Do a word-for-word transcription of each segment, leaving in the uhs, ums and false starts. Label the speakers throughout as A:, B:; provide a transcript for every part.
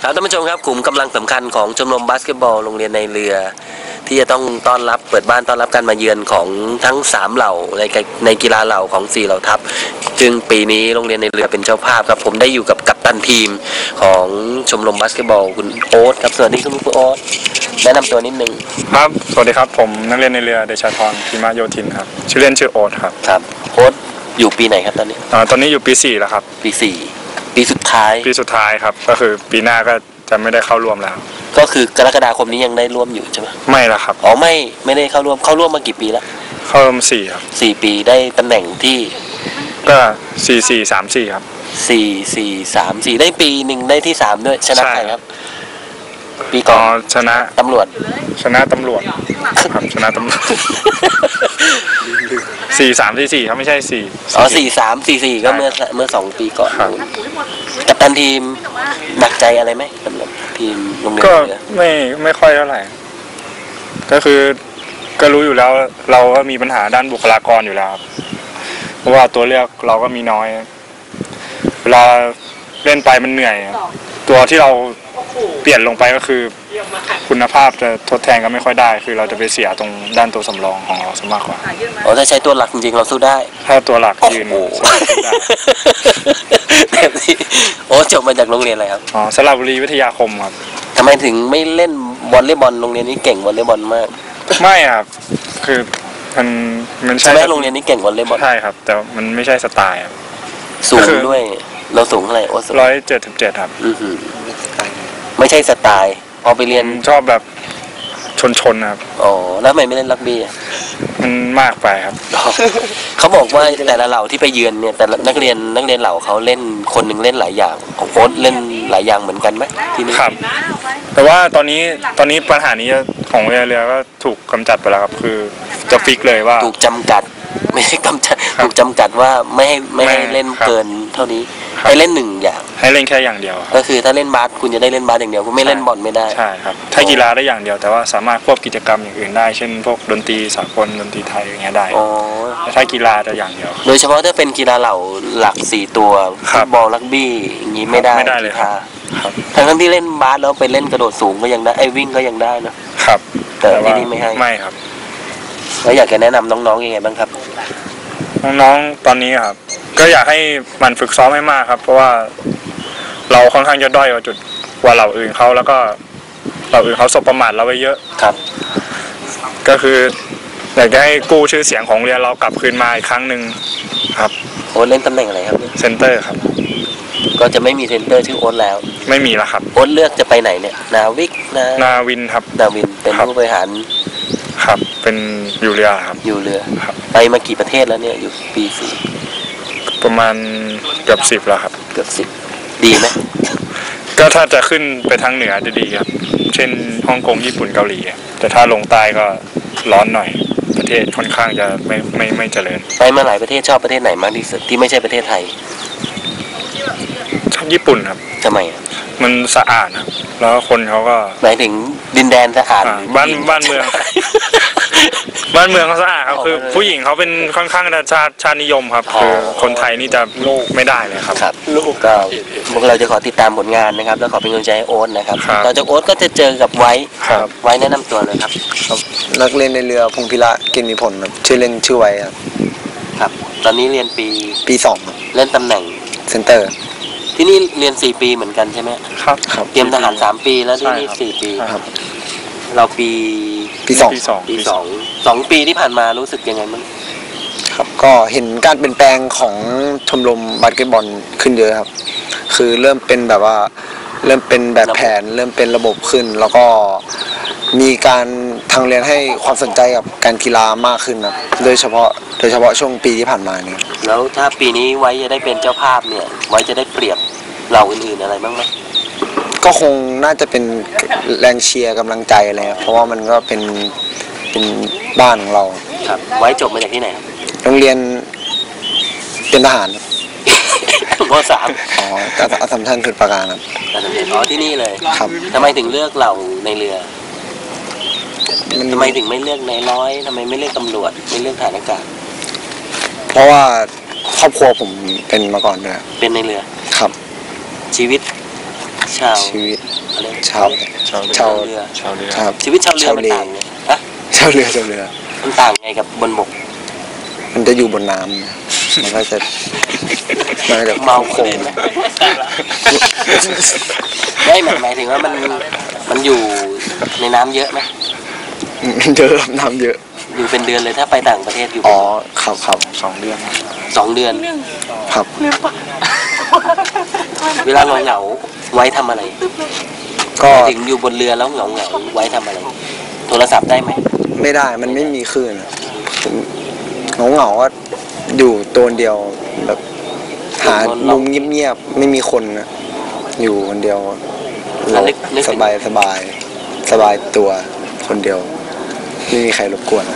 A: ครับท่านผู้ชมครับกลุ่มกำลังสำคัญของชมรมบาสเกตบอลโรงเรียนในเรือที่จะต้องต้อนรับเปิดบ้านต้อนรับการมาเยือนของทั้งสามเหล่าในในกีฬาเหล่าของสี่เหล่าทัพซึ่งปีนี้โรงเรียนในเรือเป็นเจ้าภาพครับผมได้อยู่กับกัปตันทีมของชมรมบาสเกตบอลคุณโอ๊ตครับสวัสดีคุณโอ๊ตแนะนำตัวนิดนึง
B: ครับสวัสดีครับผมนักเรียนในเรือเดชาธรพิมะโยธินครับชื่อเล่นชื่อโอ๊ตครับ
A: ครับโอ๊ตอยู่ปีไหนครับตอนนี้
B: อ่าตอนนี้อยู่ปีสี่แล้วครับ
A: ปีสี่ปีสุดท้าย
B: ปีสุดท้ายครับก็คือปีหน้าก็จะไม่ได้เข้าร่วมแล้ว
A: ก็คือกรกฎาคมนี้ยังได้ร่วมอยู่ใช่ไหม
B: ไม่ละครับ
A: อ๋อไม่ไม่ได้เข้าร่วมเข้าร่วมมากี่ปีแล้ว
B: เข้าร่วมสี่ครับ
A: สี่ปีได้ตำแหน่งที่
B: ก็สี่สี่สามสี่ครับ
A: สี่สี่สามสี่ได้ปีหนึ่งได้ที่สามด้วยชนะใครครับปีก่อน
B: ชนะ
A: ตำรวจ
B: ชนะตำรวจครับชนะตำรวจสี่สามสี่สี่ครับไม่ใช่สี่
A: อ๋อสี่สามสี่สี่ก็เมื่อเมื่อสองปีก่อนกัปตันทีมหนักใจอะไรไหมสำหรับทีมโรงเรียน
B: ก็ไม่ไม่ค่อยเท่าไหร่ก็คือก็รู้อยู่แล้วเราก็มีปัญหาด้านบุคลากรอยู่แล้วเพราะว่าตัวเลือกเราก็มีน้อยเวลาเล่นไปมันเหนื่อยตัวที่เราเปลี่ยนลงไปก็คือคุณภาพจะทดแทนก็ไม่ค่อยได้คือเราจะไปเสียตรงด้านตัวสำรองของเราซะมากกว่า
A: อ๋อถ้าใช้ตัวหลักจริงๆเราสู้ได้
B: ถ้าตัวหลักยืน
A: แบบนี้โอ้จบมาจากโรงเรียนอะไรครับ
B: อ๋อสระบุรีวิทยาคมครับ
A: ทำไมถึงไม่เล่นวอลเลย์บอลโรงเรียนนี้เก่งวอลเลย์บอลมาก
B: ไม่ครับคือมันมัน
A: ใช่ไหมโรงเรียนนี้เก่งวอลเลย์บอล
B: ใช่ครับแต่มันไม่ใช่สไตล์ครับ
A: สูงด้วยเราสูงเท่าไหร่โอ้
B: ร้อยเจ็ดสิบเจ็ดครับ
A: ไม่ใช่สไตล์พอไปเรียน
B: ชอบแบบชนชนครับ
A: อ๋อแล้วทำไมไม่เล่นรักบี้
B: มันมากไปครับ
A: เขาบอกว่าแต่ละเหล่าที่ไปเยือนเนี่ยแต่นักเรียนนักเรียนเหล่าเขาเล่นคนหนึ่งเล่นหลายอย่างของโค้ชเล่นหลายอย่างเหมือนกันไหมที่นี่
B: ครับแต่ว่าตอนนี้ตอนนี้ปัญหานี้ของเรือเรือก็ถูกกำจัดไปแล้วครับคือจะฟิกเลยว่า
A: ถูกจำกัดไม่ใช่กำจัดถูกจำกัดว่าไม่ให้ไม่ให้เล่นเกินเท่านี้ให้เล่นหนึ่งอย่าง
B: ให้เล่นแค่อย่างเดียว
A: ก็คือถ้าเล่นบาสคุณจะได้เล่นบาสอย่างเดียวคุณไม่เล่นบอลไม่ได้
B: ใช่ครับถ้ากีฬาได้อย่างเดียวแต่ว่าสามารถควบกิจกรรมอย่างอื่นได้เช่นพวกดนตรีสากลดนตรีไทยอย่างเงี้ยได้แต่ถ้ากีฬาจะอย่างเดียว
A: โดยเฉพาะถ้าเป็นกีฬาเหล่าหลักสี่ตัวฟุตบอลรักบี้อย่างนี้ไม่ได้
B: ไม่ได้เลยครับ
A: ทั้งทั้งที่เล่นบาสแล้วไปเล่นกระโดดสูงก็ยังได้ไอ้วิ่งก็ยังได้นะครับแต่ที่นี่ไม่ให้
B: ไม่ครับ
A: แล้วอยากจะแนะนำน้องๆยังไงบ้างครับ
B: น้องๆตอนนี้ครับก็อยากให้มันฝึกซ้อมให้มากครับเพราะว่าเราค่อนข้างจะด้อยกว่าจุดกว่าเหล่าอื่นเขาแล้วก็เหล่าอื่นเขาสบประมาทเราไปเยอะ
A: ครับ
B: ก็คืออยากจะให้กู้ชื่อเสียงของเรียนเรากลับคืนมาอีกครั้งหนึ่งครับ
A: โอ๊ตเล่นตำแหน่งอะไรครับ
B: เซนเตอร์ครับ
A: ก็จะไม่มีเซนเตอร์ชื่อโอ๊ตแล้ว
B: ไม่มีแล้วครับ
A: โอ๊ตเลือกจะไปไหนเนี่ยนาวิกนา
B: นาวินครับ
A: นาวินเป็นผู้บริหาร
B: ครับเป็นอยู่เรือครับ
A: อยู่เรือไปมากี่ประเทศแล้วเนี่ยอยู่ปีสี่
B: ประมาณเกือบสิบแล้วครับ
A: เกือบสิบดีไหม
B: ก็ถ้าจะขึ้นไปทางเหนือจะดีครับเช่นฮ่องกงญี่ปุ่นเกาหลีแต่ถ้าลงใต้ก็ร้อนหน่อยประเทศค่อนข้างจะไม่ไม่ไม่เจริญ
A: ไปมาหลายประเทศชอบประเทศไหนมากที่สุดที่ไม่ใช่ประเทศไทย
B: ชอบญี่ปุ่นครับ
A: ทำไม
B: มันสะอาดครับแล้วคนเขาก็
A: หมายถึงดินแดนสะอาด
B: บ้านบ้านเมืองบ้านเมืองเขาสะอาดครับคือผู้หญิงเขาเป็นค่อนข้างจะชาติชาตินิยมครับคือคนไทยนี่จะลูกไม่ได้เลยครับ
A: ครับลูกก็พวกเราจะขอติดตามผลงานนะครับแล้วขอเป็นกำลังใจให้โอ๊ตนะครับต่อจากโอ๊ตก็จะเจอกับไว้ไว้แนะนำตัวเลยครับ
C: นักเรียนในเรือพงพิระเกณฑ์มีผลครับชื่อเล่นชื่อไว้ครับ
A: ครับตอนนี้เรียนปี
C: ปีสอง
A: เล่นตำแหน่ง
C: เซนเตอร์
A: ที่นี่เรียนสี่ปีเหมือนกันใช่ไหม
B: ครับครับ
A: เตรียมทหารสามปีแล้วที่นี่สี่ปี
C: ครับ
A: เราปี
C: ปีสอง
B: ปีสอง
A: ปีสองสองปีที่ผ่านมารู้สึกยังไงมั้ง
C: ครับก็เห็นการเปลี่ยนแปลงของชมรมบาสเกตบอลขึ้นเยอะครับคือเริ่มเป็นแบบว่าเริ่มเป็นแบบแผนเริ่มเป็นระบบขึ้นแล้วก็มีการทางเรียนให้ความสนใจกับการกีฬามากขึ้นครับโดยเฉพาะโดยเฉพาะช่วงปีที่ผ่านมาเนี่ย
A: แล้วถ้าปีนี้ไว้จะได้เป็นเจ้าภาพเนี่ยไว้จะได้เปรียบเราอื่นๆอะไรบ้างไหม
C: ก็คงน่าจะเป็นแรงเชียร์กำลังใจอะไรเพราะว่ามันก็เป็นเป็นบ้านของเรา
A: ครับไว้จบมาจากที่ไหน
C: โรงเรียนเป็นทหาร
A: ม.สาม
C: อ๋ออัสสัมชัญสุดประการครับ
A: อัสสัมชัญอ๋อที่นี่เลย
C: ครับ
A: ทำไมถึงเลือกเราในเรือทำไมถึงไม่เลือกในร้อยทำไมไม่เลือกตำรวจไม่เลือกฐานอากาศ
C: เพราะว่าครอบครัวผมเป็นมาก่อนด้วย
A: เป็นในเรือ
C: ครับ
A: ชีวิตชาว
C: ชีวิต
A: อะไร
C: ชาว
B: ชาว
C: ชาว
A: เรือ
B: ชาวเรือ
C: ครับ
A: ชีวิตชาวเรือมันต่างไงฮะ
C: ชาวเรือชาวเรือ
A: มันต่างไงกับบนบก
C: มันจะอยู่บนน้ำมันก็จะมันก็จะ
A: เมา
C: โค
A: คน
C: ง
A: อื่นไหมไม่หมายหมายถึงว่ามันมันอยู่ในน้ำเยอะไหม
C: เยอะน้ำเยอะ
A: อยู่เป็นเดือนเลยถ้าไปต่างประเทศอยู่
C: อ๋อครับครับ
B: สองเดือน
A: สองเดือน
C: ครับ
A: เวลาเหงาเหงาๆไว้ทำอะไร
C: ก็
A: หมายถึงอยู่บนเรือแล้วเหงาเหงาๆไว้ทำอะไร โทรศัพท์ได้ไหม
C: ไม่ได้มันไม่มีคลื่นเหงาเหงาๆก็อยู่ตัวเดียวแบบหามุมเงียบๆไม่มีคนนะอยู่คนเดียว
A: แล้วนึกนึก
C: ส
A: ถึง
C: บายสบายสบายตัวคนเดียว ไม่มีใครรบกวน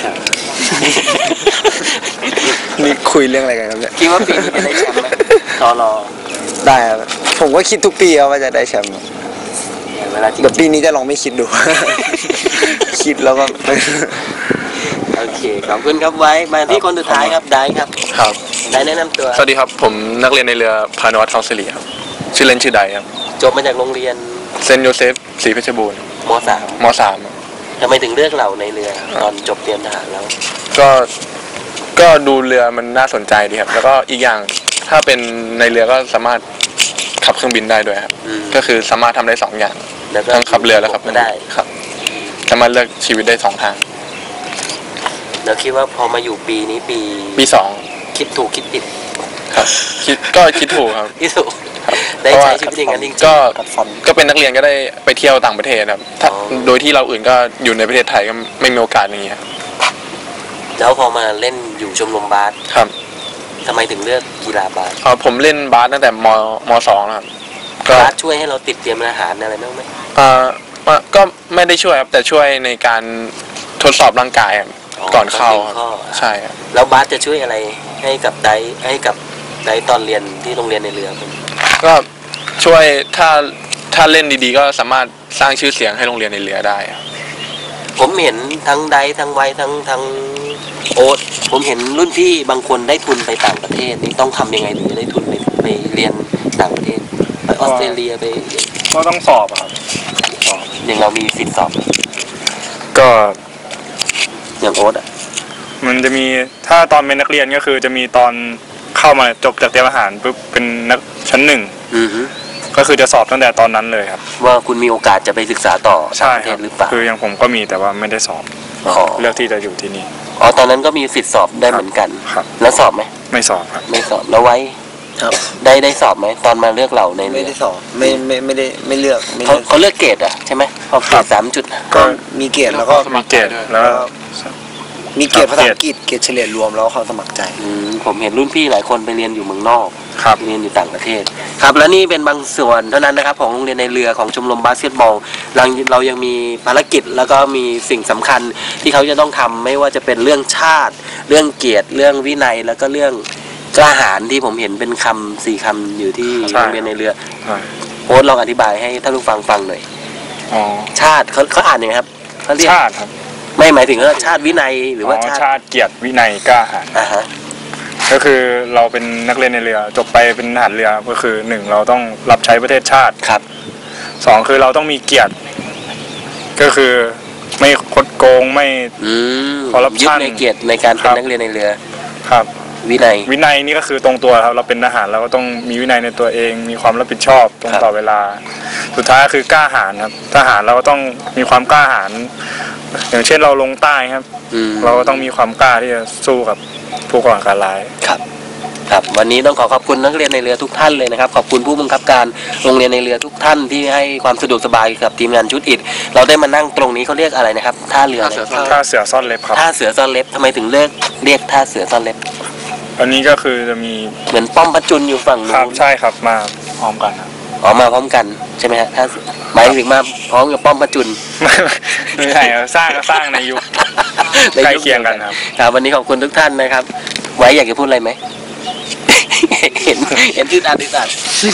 C: นี่คุยเรื่องอะไรกันครับเนี่ย
A: คิดว่าปีนี้จะได้แชมป์ไหมตอรอ
C: ได้ครับผมก็คิดทุกปีครับว่าจะได้แชมป์
A: เวลาจริง
C: แต่ปีนี้จะลองไม่คิดดู คิดแล้วก็
A: โอเคขอบคุณครับไว้มาที่คนสุดท้ายครับได้ครับ
D: ครับ
A: ได้แนะนำตัว
D: สวัสดีครับ ผมนักเรียนในเรือพานุวัฒน์ทองสิริครับ ชื่อเล่นชื่อใดครับ
A: จบมาจากโรงเรียน
D: เซนต์โยเซฟศรีเพชรบูรณ์
A: มสาม
D: มสามครับ
A: ทำไมถึงเลือกเราในเรือตอนจบเตรียมทหารแล้ว
D: ก็ ก็ดูเรือมันน่าสนใจดีครับ แล้วก็อีกอย่างถ้าเป็นในเรือก็สามารถขับเครื่องบินได้ด้วยครับ
A: อืม
D: ก็คือสามารถทำได้สองอย่าง
A: แล้วก็
D: ทั้งขับเรือและขับ
A: ก็ได้
D: ครับ สามารถเลือกชีวิตได้สองทาง
A: แล้วคิดว่าพอมาอยู่ปีนี้ปี
D: ปีสอง
A: คิดถูกคิดผิด
D: ครับ คิดก็คิดถูกครับ
A: คิดถูก
D: ครับ
A: ได้ใช้ชีวิตอย่างนั้นจริงๆ
D: ก็
C: กัดฟัน
D: ก็เป็นนักเรียนก็ได้ไปเที่ยวต่างประเทศครับถ้า
A: อ๋อ
D: โดยที่เราอื่นก็อยู่ในประเทศไทยก็ไม่มีโอกาสอย่างเงี้ย
A: แล้วพอมาเล่นอยู่ชมรมบาส
D: ครับ
A: ทำไมถึงเลือกกีฬาบาส
D: เอ่อผมเล่นบาสตั้งแต่มมสองนะครับก็
A: บาสช่วยให้เราติดเตรียมอาหารอะไรบ้างไหม
D: เอ่อว่าก็ไม่ได้ช่วยครับแต่ช่วยในการทดสอบร่างกายครับก่อนเข้าครับ
A: ข้อ
D: ใช่ครับ
A: แล้วบาสจะช่วยอะไรให้กับไดให้กับไดตอนเรียนที่โรงเรียนในเรือผม
D: ก็ช่วยถ้าถ้าเล่นดีๆ ก็สามารถสร้างชื่อเสียงให้โรงเรียนในเรือได้ครับ
A: ผมเห็นทั้งไดทั้งไวทั้งทั้งโอ๊ตผมเห็นรุ่นพี่บางคนได้ทุนไปต่างประเทศนี่ต้องทำยังไงถึงจะได้ทุนไปไปเรียนต่างประเทศไปออสเตรเลียไป
B: ก็ต้องสอบอะครับ
A: อย่างเรามีสิทธิ์สอบ
B: ก็
A: อย่างโอ๊ตอ่ะ
B: มันจะมีถ้าตอนเป็นนักเรียนก็คือจะมีตอนเข้ามาจบจากเตรียมทหารปุ๊บเป็นนักชั้นหนึ่ง
A: อือฮึ
B: ก็คือจะสอบตั้งแต่ตอนนั้นเลยครับ
A: ว่าคุณมีโอกาสจะไปศึกษาต่อต่า
B: ใช่
A: งประเท
B: ครั
A: ศ
B: บ
A: หรือเปล่า
B: คืออย่างผมก็มีแต่ว่าไม่ได้สอบ
A: อ๋อ
B: เลือกที่จะอยู่ที่นี่
A: อ๋อตอนนั้นก็มีสิทธิ์สอบได้เหมือนกัน
B: ครับ
A: แล้วสอบไหม
B: ไม่สอบครับ
A: ไม่สอบแล้วไว้
C: ครับ
A: ได้ได้สอบไหมตอนมาเลือกเราในเรื
C: ไม่
A: อ
C: ได้สอบไม่ไม่ไม่ได้ไม่เลือกไม่
A: เขา
C: เลือก
A: เขาเลือกเกรดอ่ะใช่ไหมพอเกรดสามจุด
C: ก็มีเกียรติแล้วก็
B: มีเกรดแล้วก็
C: มีเกียรติภาษาอังกฤษเกียรติเฉลี่ยรวมแล้วก็ความสมัครใจ
A: อืมผมเห็นรุ่นพี่หลายคนไปเรียนอยู่เมืองนอก
B: ครับ
A: เรียนอยู่ต่างประเทศ ครับและนี่เป็นบางส่วนเท่านั้นนะครับของโรงเรียนในเรือของชมรมบาสเกตบอลเราเรายังมีภารกิจแล้วก็มีสิ่งสำคัญที่เขาจะต้องทำไม่ว่าจะเป็นเรื่องชาติ เรื่องเกียรติเรื่องวินัยแล้วก็เรื่องกล้าหาญที่ผมเห็นเป็นคำสี่คำอยู่ที่
B: ใช่
A: โรงเรียนในเรือ
B: ใช่
A: โค้ชลองอธิบายให้ท่านผู้ฟังฟังหน่อย
B: อ๋อ
A: ชาติเขาเขาอ่านยังไงครับเขาเรียก
B: ชาติครับ
A: ไม่หมายถึงว่าชาติวินัยหรือว่า
B: อ๋อ
A: ชาติ
B: ชาติเกียรติวินัยกล้าหาญ
A: อ่าฮะ
B: ก็คือเราเป็นนักเรียนในเรือจบไปเป็นทหารเรือก็คือหนึ่งเราต้องรับใช้ประเทศชาติ
A: ครับ
B: สองคือเราต้องมีเกียรติ ก็คือไม่คดโกงไม่
A: อืม
B: corruption
A: ยึดในเกียรติในการเป็
B: ครั
A: น
B: บ
A: นักเรียนในเรือ
B: ครับ
A: วินัย
B: วินัยนี่ก็คือตรงตัวครับเราเป็นทหารเราก็ต้องมีวินัยในตัวเอง มีความรับผิดชอบตรง
A: ครับ
B: ต่อเวลา สุดท้ายก็คือกล้าหาญครับทหารเราก็ต้องมีความกล้าหาญอย่างเช่นเราลงใต้ครับ
A: อืม
B: เราก็ต้องมีความกล้าที่จะสู้กับผู้ก่อการร้าย
A: ครับครับวันนี้ต้องขอขอบคุณนักเรียนในเรือทุกท่านเลยนะครับขอบคุณผู้บังคับการโรงเรียนในเรือทุกท่านที่ให้ความสะดวกสบายกับทีมงานชุดอิฐเราได้มานั่งตรงนี้เขาเรียกอะไรนะครับท่าเรืออะไร
B: ท่าเสือซ่อนเล็บครับ
A: ท่าเสือซ่อนเล็บทำไมถึงเลือกเรียกท่าเสือซ่อนเล็บ
B: อันนี้ก็คือจะมี
A: เหมือนป้อมพระจุลอยู่ฝั่ง
B: ค
A: นู้
B: รับ
A: น
B: ใช่ครับมาพร้อมกันครับ
A: อ๋อมาพร้อมกันใช่ไหมฮะท่าเสือหมายถึงมาพร้อมกับป้อมพระจุล
B: ไม่ใช่ครับสร้างก็สร้างในยุค ใกล้เคียงกันครับ
A: ครับวันนี้ขอบคุณทุกท่านนะครับ ไว้อยากจะพูดอะไรไหม เห็นเห็นที่อัดที่อัด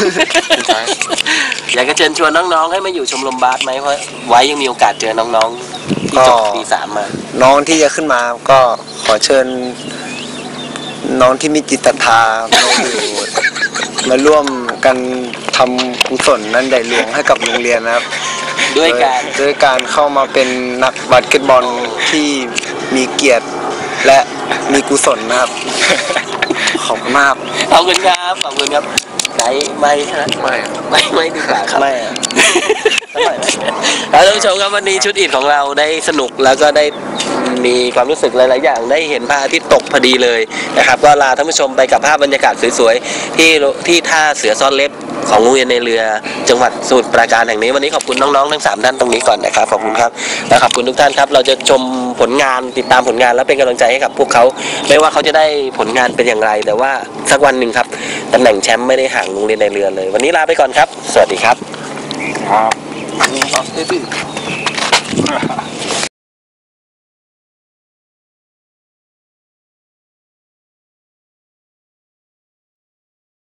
A: อยากจะเชิญชวนน้องๆให้มาอยู่ชมรมบาสไหมเพราะไว้ยังมีโอกาสเจอน้องๆที่จบ
C: ก็
A: ปีสามมา
C: น้องที่จะขึ้นมาก็ขอเชิญ น้องที่มีจิตศรัทธามาอยู่มาร่วมกันทำกุศลนันใหญ่หลวงให้กับโรงเรียนนะครับ
A: ด้วยการ
C: โดยการเข้ามาเป็นนักบาสเกตบอลที่มีเกียรติและมีกุศลนะครับ ขอบคุณมาก
A: ขอบคุณครับขอบคุณครับไหนไม่ใช่ไหม
D: ไม่
A: ไม่ไม่ดีกว่าครับ
C: ไม่อะ
A: แล้วท่านผู้ชมครับวันนี้ชุดอิฐของเราได้สนุกแล้วก็ได้มีความรู้สึกหลาย ๆ อย่างได้เห็นพระอาทิตย์ตกพอดีเลยนะครับก็ลาท่านผู้ชมไปกับภาพบรรยากาศสวย ๆ ที่ที่ท่าเสือซ่อนเล็บของโรงเรียนในเรือจังหวัดสมุทรปราการแห่งนี้วันนี้ขอบคุณน้อง ๆ ทั้งสามท่านตรงนี้ก่อนนะครับขอบคุณครับและขอบคุณทุกท่านครับเราจะชมผลงานติดตามผลงานและเป็นกำลังใจให้กับพวกเขาไม่ว่าเขาจะได้ผลงานเป็นอย่างไร แต่ว่าสักวันหนึ่งครับตำแหน่งแชมป์ไม่ได้ห่างโรงเรียนในเรือเลย วันนี้ลาไปก่อนครับสวัสดีครับ
B: ครับ
C: ครับ